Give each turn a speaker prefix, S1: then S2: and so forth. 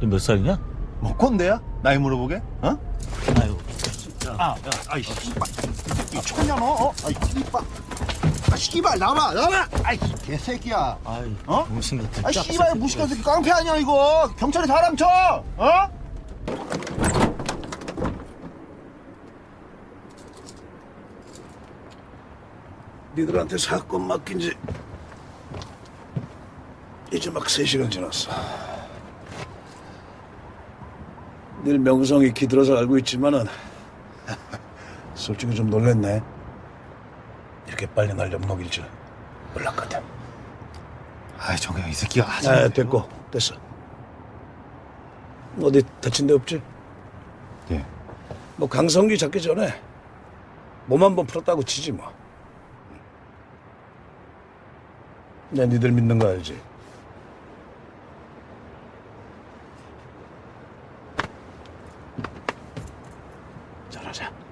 S1: 너 몇 살이냐?
S2: 뭐 꼰대야? 나이 물어보게? 어?
S1: 아유.
S2: 아이 씨발. 미쳤냐 너? 아이 씨발. 아 씨발 나와. 아이 개새끼야.
S1: 아이,
S2: 어?
S1: 정신 같은
S2: 아
S1: 짝새끼.
S2: 씨발 무식한 새끼 깡패 아니야 이거. 경찰에 사람 쳐. 어?
S3: 니들한테 사건 맡긴 지 이제 막 3시간 지났어. 늘 명성이 기들어서 알고 있지만은 솔직히 좀 놀랬네. 이렇게 빨리 날 엿먹일 줄 몰랐거든.
S2: 아이 정경 이 새끼가 하지
S3: 아,
S2: 말아요.
S3: 됐고 됐어. 어디 다친 데 없지?
S2: 예.
S3: 뭐 강성기 잡기 전에 몸 한 번 풀었다고 치지 뭐. 내 니들 믿는 거 알지? 잘하자.